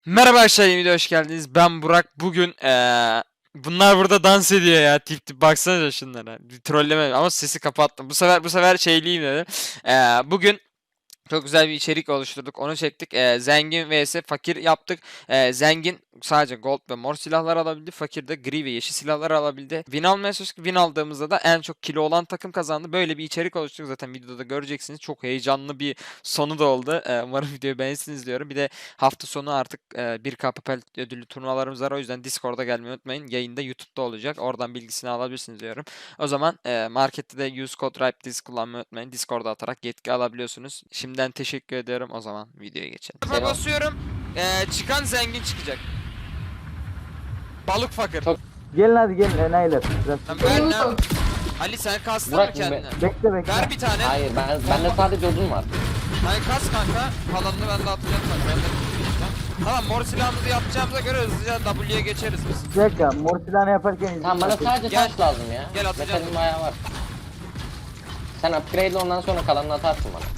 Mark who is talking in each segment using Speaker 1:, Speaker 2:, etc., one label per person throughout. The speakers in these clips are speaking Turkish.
Speaker 1: Merhaba arkadaşlar, yeni videoya hoş geldiniz. Ben Burak. Bugün bunlar burada dans ediyor ya. Tip tip baksanıza şunlara. Bir trolleme ama sesi kapattım. Bu sefer şeyliyim dedim. Bugün çok güzel bir içerik oluşturduk. Onu çektik. Zengin vs fakir yaptık. Zengin sadece gold ve mor silahlar alabildi. Fakir de gri ve yeşil silahlar alabildi. Win almaya çalıştık. Win aldığımızda da en çok kilo olan takım kazandı. Böyle bir içerik oluşturduk. Zaten videoda göreceksiniz. Çok heyecanlı bir sonu da oldu. Umarım videoyu beğenirsiniz diyorum. Bir de hafta sonu artık 1K Papel ödüllü turnuvalarımız var. O yüzden Discord'a gelmeyi unutmayın. Yayında YouTube'da olacak. Oradan bilgisini alabilirsiniz diyorum. O zaman markette de use code RIPEDIS kullanmayı unutmayın. Discord'a atarak yetki alabiliyorsunuz. Şimdiden teşekkür ediyorum. O zaman videoya geçelim.
Speaker 2: Selam.
Speaker 1: Basıyorum. Çıkan zengin çıkacak. Balık fakir.
Speaker 2: Çok-
Speaker 3: Gelin hadi gelin enayiler. Biraz
Speaker 1: Ben Ali sen kastın mı
Speaker 2: Burak,
Speaker 1: kendine?
Speaker 3: bekle bekle.
Speaker 1: Ver bir tane.
Speaker 2: Hayır bende sadece odun var.
Speaker 1: Ben kas kanka. Kalanını ben de atacağım kanka. Ben de tutacağım. Tamam, mor silahımızı yapacağımıza göre hızlıca W'ye geçeriz biz.
Speaker 3: Bir dakika mor silahını yaparken izin
Speaker 2: Tamam bana
Speaker 3: bakın.
Speaker 2: sadece
Speaker 1: Gel.
Speaker 2: taş lazım ya.
Speaker 1: Gel, atacağım.
Speaker 2: Metalim bayağı var. Sen upgrade'le ondan sonra kalanını atarsın bana.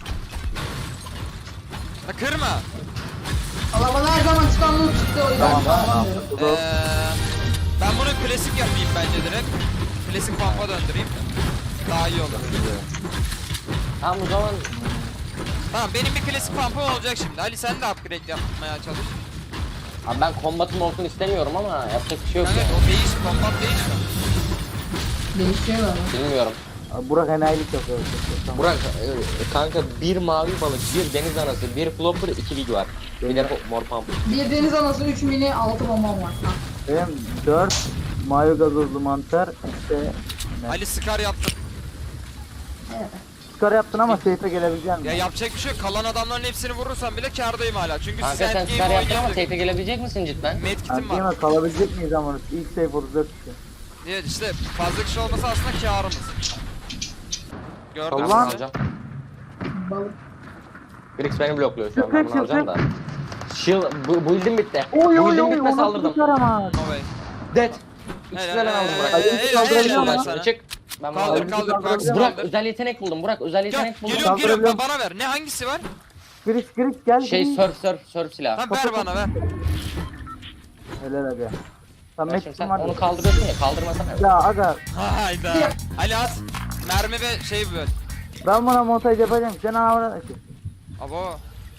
Speaker 1: Ha, kırma.
Speaker 4: Allah bana her zaman çıkan loot çıktı o yüzden
Speaker 3: Tamam,
Speaker 4: tamam,
Speaker 3: tamam.
Speaker 4: diyorum.
Speaker 1: Ben bunu klasik yapayım bence direkt. Klasik pampa döndüreyim. Daha iyi olur.
Speaker 2: Tamam o zaman
Speaker 1: Tamam, benim bir klasik pampam olacak şimdi. Ali sen de upgrade yapmaya çalış.
Speaker 2: abi ben kombatım olsun istemiyorum ama yapacak bir şey yok
Speaker 1: Evet,
Speaker 2: ya.
Speaker 1: o değiş, kombat değişmiyor.
Speaker 4: Değişiyor ama.
Speaker 2: Bilmiyorum.
Speaker 3: Abi, Burak enayilik yapıyor. Tamam.
Speaker 2: Burak kanka bir mavi balık, bir deniz anası, bir flopper, 2 lig var. Bir de mor pump.
Speaker 4: Bir deniz anası 3 mini 6 bombam var. Ha.
Speaker 3: Benim 4 mayo gazozlu mantar işte
Speaker 1: Ali Scar yaptım.
Speaker 4: Evet.
Speaker 3: çıkar yaptın ama safe'e gelebilecek misin?
Speaker 1: Ya yapacak bir şey yok. Kalan adamların hepsini vurursam bile kârdayım hala. Çünkü
Speaker 2: Kanka
Speaker 1: siz
Speaker 2: sen
Speaker 1: endgame
Speaker 2: star yaptın ama
Speaker 1: oynayamadık.
Speaker 2: safe'e gelebilecek misin cidden?
Speaker 1: Medkit'im var.
Speaker 3: Anlayamaz kalabilecek miyiz ama ilk safe 34 kişi.
Speaker 1: Evet işte fazla kişi olmasa aslında kârımız. Gördün mü?
Speaker 3: Allah.
Speaker 2: Alacağım.
Speaker 4: Balık.
Speaker 2: Grix beni blokluyor şu an, ben
Speaker 3: Çık,
Speaker 2: bunu alacağım da. Shield, bu build'im bitti.
Speaker 3: Oy
Speaker 2: Bu
Speaker 3: oy
Speaker 2: build'im
Speaker 3: oy
Speaker 2: bitme
Speaker 3: onu
Speaker 2: saldırdım.
Speaker 3: tutar ama.
Speaker 1: No way.
Speaker 2: Dead. İkisini ben aldım Burak.
Speaker 3: kaldırabiliyor
Speaker 1: helal
Speaker 3: musun?
Speaker 1: sana.
Speaker 2: Çık. Ben bunu
Speaker 1: Kaldır
Speaker 2: aldım.
Speaker 1: kaldır.
Speaker 3: Burak,
Speaker 1: Burak
Speaker 2: Burak
Speaker 1: kaldır.
Speaker 2: özel yetenek buldum. Burak özel
Speaker 1: Gel,
Speaker 2: yetenek buldum.
Speaker 1: geliyorum
Speaker 3: Kaldırabiliyorum.
Speaker 1: bana ver. Ne hangisi var?
Speaker 3: Gris gel.
Speaker 2: Şey
Speaker 3: Gris.
Speaker 2: surf silahı.
Speaker 1: Tamam ver bana ver.
Speaker 3: Helal aga. Tam
Speaker 2: Bak şimdi
Speaker 3: metin
Speaker 2: sen
Speaker 3: var.
Speaker 2: onu kaldırıyorsun ya, kaldırmasana.
Speaker 3: Ya aga
Speaker 1: Hayda. Ali at. Mermi ve şey böyle.
Speaker 3: ben buna montaj yapacağım. Sen ağabey.
Speaker 1: Abo.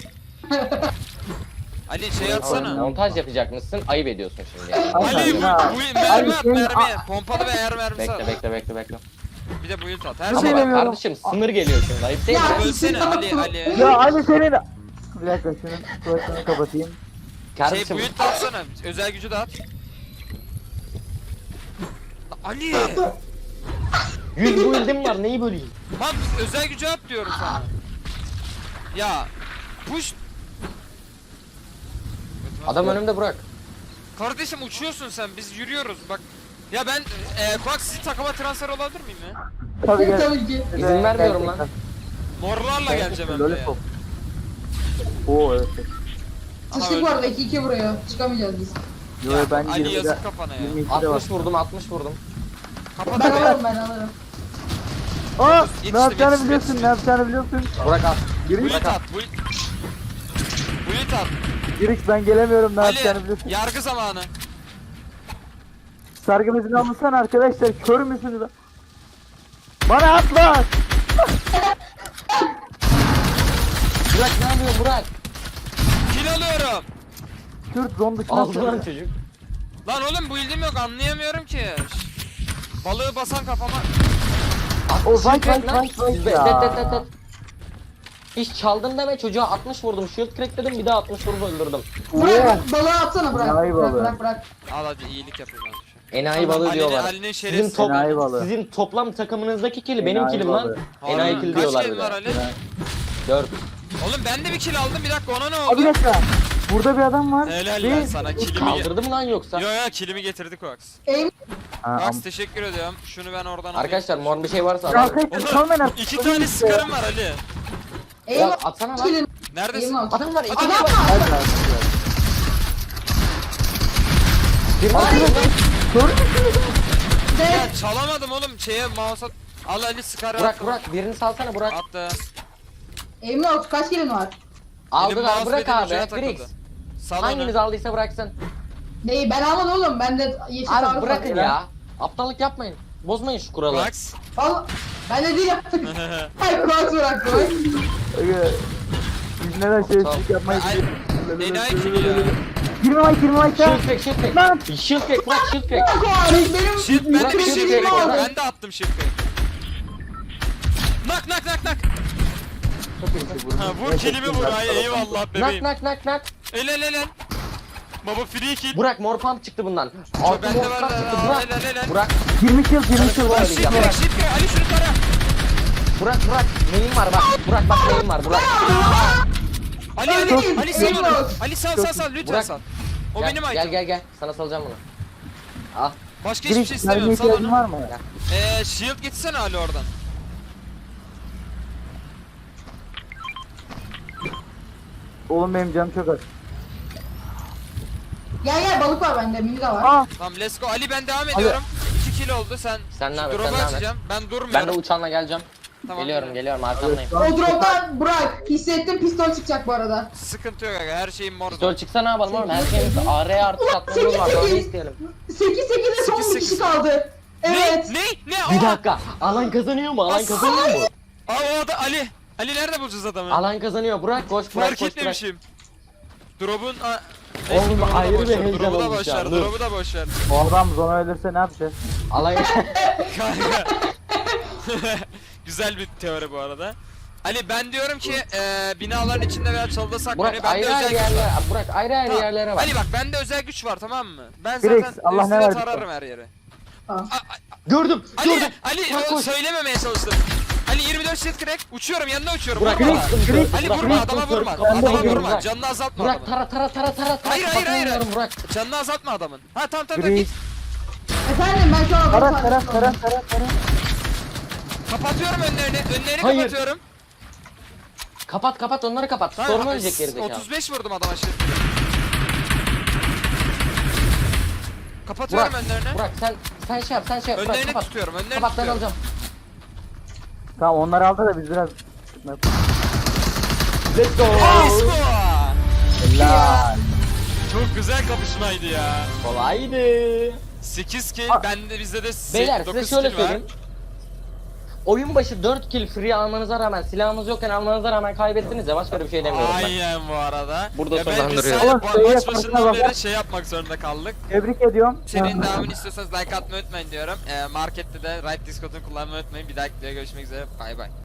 Speaker 1: Ali şey atsana.
Speaker 2: Montaj yapacak mısın? Ayıp ediyorsun şimdi yani.
Speaker 3: Ay,
Speaker 1: Ali
Speaker 3: ya.
Speaker 1: bu mermi at
Speaker 3: senin-
Speaker 1: mermi. Pompalı ve eğer mermisi at.
Speaker 2: Bekle.
Speaker 1: Bir de build at. Her
Speaker 3: Bir
Speaker 1: şey
Speaker 3: şey
Speaker 2: Ama
Speaker 1: var.
Speaker 2: bak
Speaker 3: demiyorum.
Speaker 2: kardeşim sınır geliyor şimdi, ayıp değil mi?
Speaker 4: Ya,
Speaker 1: Ölsene Ali Ali.
Speaker 3: Ya Ali senin. Bir dakika şunun kulaklarını kapatayım.
Speaker 1: Şey
Speaker 2: Kardeşim
Speaker 1: build atsana. Özel gücü de at. Ali.
Speaker 2: 100 build'im var, neyi böleyim?
Speaker 1: Lan özel gücü at diyorum sana. Ya push.
Speaker 2: Adam önümde Burak.
Speaker 1: Kardeşim uçuyorsun sen, biz yürüyoruz bak. Ya ben Kuak sizi takıma transfer olabilir miyim ya?
Speaker 3: Tabii gel.
Speaker 4: Tabii ki.
Speaker 2: İzin vermiyorum lan.
Speaker 1: Morlarla geleceğim hem de ya.
Speaker 3: Lollipop. Oo evet.
Speaker 1: Aha,
Speaker 4: Sıçtık bu
Speaker 1: öldüm.
Speaker 4: arada 2-2 vuruyor. Çıkamayacağız biz.
Speaker 3: Yo
Speaker 1: Ya,
Speaker 3: ben
Speaker 1: Ali
Speaker 3: 20'de
Speaker 1: yazık kafana ya.
Speaker 3: 22'de var.
Speaker 2: 60 vurdum, 60 vurdum.
Speaker 1: Kapat
Speaker 4: Ben
Speaker 1: be.
Speaker 4: alırım.
Speaker 3: Aa
Speaker 1: Yetiştim,
Speaker 3: ne yapacağını
Speaker 1: yetiştim,
Speaker 3: biliyorsun
Speaker 1: yetiştim.
Speaker 3: ne yapacağını biliyorsun.
Speaker 2: Burak al.
Speaker 1: Build at. Build at.
Speaker 3: Giriş ben gelemiyorum ne yapacağını
Speaker 1: Ali
Speaker 3: biliyorsun.
Speaker 1: yargı zamanı.
Speaker 3: Sargı bezini almışsana arkadaşlar kör müsünüz? Bana atma.
Speaker 2: Burak ne yapıyorsun Burak?
Speaker 1: Kill alıyorum.
Speaker 3: Kürt zon dışına
Speaker 2: Aldı lan
Speaker 3: atıyor.
Speaker 2: çocuk.
Speaker 1: Lan oğlum build'im yok, anlayamıyorum ki. Balığı basan kafama.
Speaker 3: O fight
Speaker 2: Shield
Speaker 3: fight
Speaker 2: crack lan.
Speaker 3: fight fight
Speaker 2: Det.
Speaker 3: ya.
Speaker 2: Hiç çaldım deme, çocuğa 60 vurdum. Shield crack dedim, bir daha 60 vurup öldürdüm.
Speaker 4: Bırak balığı atsana bırak.
Speaker 3: Enayi
Speaker 4: Bırak
Speaker 3: balığı.
Speaker 4: bırak.
Speaker 1: Al hadi iyilik yapayım abi.
Speaker 2: Enayi balığı diyorlar.
Speaker 1: Ali'nin
Speaker 2: Sizin,
Speaker 1: şerefsiz.
Speaker 3: Enayi balığı.
Speaker 2: sizin toplam takımınızdaki kili benim
Speaker 3: Enayi
Speaker 2: kilim lan.
Speaker 3: balığı.
Speaker 2: Enayi kill diyorlar
Speaker 1: Kaç
Speaker 2: bir
Speaker 1: kill var
Speaker 2: de.
Speaker 1: Ali?
Speaker 2: 4.
Speaker 1: Oğlum ben de bir kill aldım, bir dakika ona ne
Speaker 3: Abi
Speaker 1: oldu?
Speaker 3: bir dakika. Burada bir adam var.
Speaker 1: Helal
Speaker 3: Bir-
Speaker 1: lan sana, killimi
Speaker 2: Kaldırdı mı lan yoksa?
Speaker 1: Yo killimi getirdik Koax.
Speaker 4: Aim.
Speaker 3: Ha,
Speaker 1: Koax teşekkür ediyorum. Şunu ben oradan alayım.
Speaker 2: Arkadaşlar mor bir şey varsa
Speaker 3: Ya
Speaker 2: alalım.
Speaker 3: arkadaşlar kalmayın artık.
Speaker 1: İki tane skarım var Ali.
Speaker 4: Aim.
Speaker 2: Ya atsana lan.
Speaker 4: Kilin.
Speaker 1: Neredesin?
Speaker 4: Aim out.
Speaker 2: Adam var, iki
Speaker 4: Adam
Speaker 2: var.
Speaker 4: var.
Speaker 3: Hadi arkadaşlar.
Speaker 2: Bir var.
Speaker 4: Dead.
Speaker 1: Ya çalamadım oğlum, şeye mouse'a. Al Ali skarı
Speaker 2: Burak
Speaker 1: attım.
Speaker 2: Burak birini salsana Burak.
Speaker 1: Attı.
Speaker 4: Aim out. Kaç kilin var?
Speaker 2: Aldılar
Speaker 1: mouse
Speaker 2: Burak
Speaker 1: dediğim
Speaker 2: abi.
Speaker 1: ucuna takıldı.
Speaker 2: Grix.
Speaker 1: Sal
Speaker 2: Hanginiz
Speaker 1: onu.
Speaker 2: aldıysa bıraksın.
Speaker 4: Neyi ben almadım oğlum. Ben de yeşil
Speaker 2: Abi
Speaker 4: sarı
Speaker 2: bırakın
Speaker 4: var.
Speaker 2: ya. Aptallık yapmayın. Bozmayın şu kuralı.
Speaker 1: Max.
Speaker 4: Valla ben de değil. Hayır kulak bırak bırak.
Speaker 3: Aga, biz neden şerefsizlik yapmayı
Speaker 1: Ay,
Speaker 3: biliyoruz?
Speaker 1: Enayi kim ya?
Speaker 3: 20 ay
Speaker 2: Shield crack, shield crack.
Speaker 3: Lan!
Speaker 2: Shield crack, bırak shield crack.
Speaker 4: Bırak o hariç benim.
Speaker 1: Shield ben de bir
Speaker 2: Bırak,
Speaker 1: shield
Speaker 2: shield
Speaker 1: crack.
Speaker 2: crack.
Speaker 1: Ben de attım shield crack. Nak. Ha, vur kilimi vur ay eyvallah
Speaker 2: Nak
Speaker 1: bebeğim.
Speaker 2: nak.
Speaker 1: El. Baba free kill.
Speaker 2: Burak mor pump çıktı bundan.
Speaker 1: Çok
Speaker 2: Altı
Speaker 1: bende
Speaker 2: mor
Speaker 1: var
Speaker 2: pump
Speaker 1: da,
Speaker 2: çıktı.
Speaker 1: el.
Speaker 2: Burak.
Speaker 3: 20 yıl var.
Speaker 1: Shield crack. Ali şunu tara.
Speaker 2: Burak. Neyim var bak. Burak bak neyim var. Burak.
Speaker 1: Ali sal onu.
Speaker 4: Eyvallah.
Speaker 1: Ali sal lütfen
Speaker 2: Burak.
Speaker 1: sal. O benim item.
Speaker 2: Gel. Sana salacağım bunu. Al.
Speaker 1: Başka hiçbir şey
Speaker 3: Giriş,
Speaker 1: istemiyorum
Speaker 3: mermiye
Speaker 1: sal
Speaker 3: ihtiyacın
Speaker 1: onu.
Speaker 3: var mı?
Speaker 1: Shield gitsene Ali oradan.
Speaker 3: Oğlum benim canım çok az.
Speaker 4: Gel balık var bende. Mini de var.
Speaker 3: Aa!
Speaker 1: Tamam let's go. Ali ben devam ediyorum. 2 kill oldu sen.
Speaker 2: Sen ne
Speaker 1: şu
Speaker 2: yapıyorsun,
Speaker 1: drop'u
Speaker 2: sen ne
Speaker 1: açacağım. Ben durmuyorum.
Speaker 2: Ben de uçanla geleceğim.
Speaker 1: Tamam.
Speaker 2: Geliyorum arkandayım.
Speaker 4: O droptan bırak. Hissettim pistol çıkacak bu arada.
Speaker 1: Sıkıntı yok aga her şeyim mor.
Speaker 2: Pistol çıksa ne yapalım oğlum? Her şeyimiz AR artı satmamız var. Daha ne isteyelim?
Speaker 4: 8-8'de son bir
Speaker 1: 8-8.
Speaker 4: kişi kaldı. Evet.
Speaker 1: Ne?
Speaker 2: Bir dakika. Alan kazanıyor mu? Alan kazanıyor mu?
Speaker 1: Aa o da Ali. Ali nerede bulacağız adamı?
Speaker 2: Alan kazanıyor. Burak koş.
Speaker 1: Fark etmemişim. Drop'un
Speaker 2: Oğlum,
Speaker 1: drop'u da
Speaker 2: ayrı bir
Speaker 1: boş ver,
Speaker 2: heyecan
Speaker 1: drop'u da
Speaker 2: olmuş
Speaker 1: boş
Speaker 2: ya,
Speaker 1: ver,
Speaker 2: dur.
Speaker 1: drop'u da boş ver.
Speaker 3: Bu adam zona ölürse ne yapacağız?
Speaker 2: Alan
Speaker 1: Kanka. Güzel bir teori bu arada. Ali ben diyorum ki binaların içinde veya çalıda saklanıyor.
Speaker 2: Burak
Speaker 1: Bende
Speaker 2: ayrı
Speaker 1: özel
Speaker 2: ayrı
Speaker 1: güç var.
Speaker 2: yerlere. Burak ayrı ayrı
Speaker 1: Tamam.
Speaker 2: yerlere bak.
Speaker 1: Ali bak bende özel güç var tamam mı? Ben
Speaker 3: Felix,
Speaker 1: zaten
Speaker 3: Allah ne
Speaker 1: üstüne
Speaker 3: verdi
Speaker 1: tararım her yere.
Speaker 4: Tamam.
Speaker 2: Gördüm.
Speaker 1: Ali
Speaker 2: Burak
Speaker 1: o
Speaker 2: koş.
Speaker 1: söylememeye çalıştım. Ali 24 shield crack uçuyorum yanına uçuyorum.
Speaker 2: Burak
Speaker 1: Vurma.
Speaker 3: Felix,
Speaker 1: Ali
Speaker 2: Burak,
Speaker 1: vurma
Speaker 2: Burak,
Speaker 1: adama
Speaker 2: Burak,
Speaker 1: vurma.
Speaker 2: Burak,
Speaker 1: Adama
Speaker 2: Burak,
Speaker 1: vurma.
Speaker 2: Burak.
Speaker 1: Canını azaltma
Speaker 2: Burak
Speaker 1: adamın.
Speaker 2: tara.
Speaker 1: Hayır.
Speaker 2: Kapatamıyorum Burak.
Speaker 1: Canını azaltma adamın. Ha tamam
Speaker 3: Gri.
Speaker 1: git.
Speaker 4: Efendim ben şu an
Speaker 3: Tara.
Speaker 1: Kapatıyorum önlerini. Önlerini
Speaker 2: Hayır.
Speaker 1: kapatıyorum.
Speaker 2: Kapat onları kapat. Sorun ölecek gerizekalı.
Speaker 1: 35 vurdum adama şimdi. Kapatıyorum önlerini.
Speaker 2: Burak sen şey yap. Burak
Speaker 1: Önlerini
Speaker 2: kapat.
Speaker 1: tutuyorum. Önlerini
Speaker 2: Kapat ben
Speaker 1: tutuyorum.
Speaker 2: alacağım.
Speaker 3: Tamam onları aldı da biz biraz...
Speaker 2: Let's go.
Speaker 1: Let's go.
Speaker 3: Helal.
Speaker 1: Çok güzel kapışmaydı ya.
Speaker 2: Kolaydı.
Speaker 1: 8 kill.
Speaker 3: Aa.
Speaker 1: Bende bizde de
Speaker 2: Beyler
Speaker 1: 9
Speaker 2: size şöyle
Speaker 1: kill var.
Speaker 2: söyleyeyim. Oyun başı 4 kill free almanıza rağmen, silahınız yokken almanıza rağmen kaybettiniz ya, başka bir şey demiyorum ben.
Speaker 1: Aynen bu arada.
Speaker 2: Burada
Speaker 1: Ya ben
Speaker 2: sonlandırıyorum.
Speaker 1: biz
Speaker 3: Oğlum,
Speaker 1: sadece
Speaker 3: şeye
Speaker 1: maç
Speaker 3: farkına
Speaker 1: başından
Speaker 3: bak.
Speaker 1: beri şey yapmak zorunda kaldık.
Speaker 3: Tebrik ediyorum.
Speaker 1: Serinin devamını istiyorsanız like atmayı unutmayın diyorum. Markette de Right Discord'unu kullanmayı unutmayın. Bir dahaki videoda görüşmek üzere. Bay bay.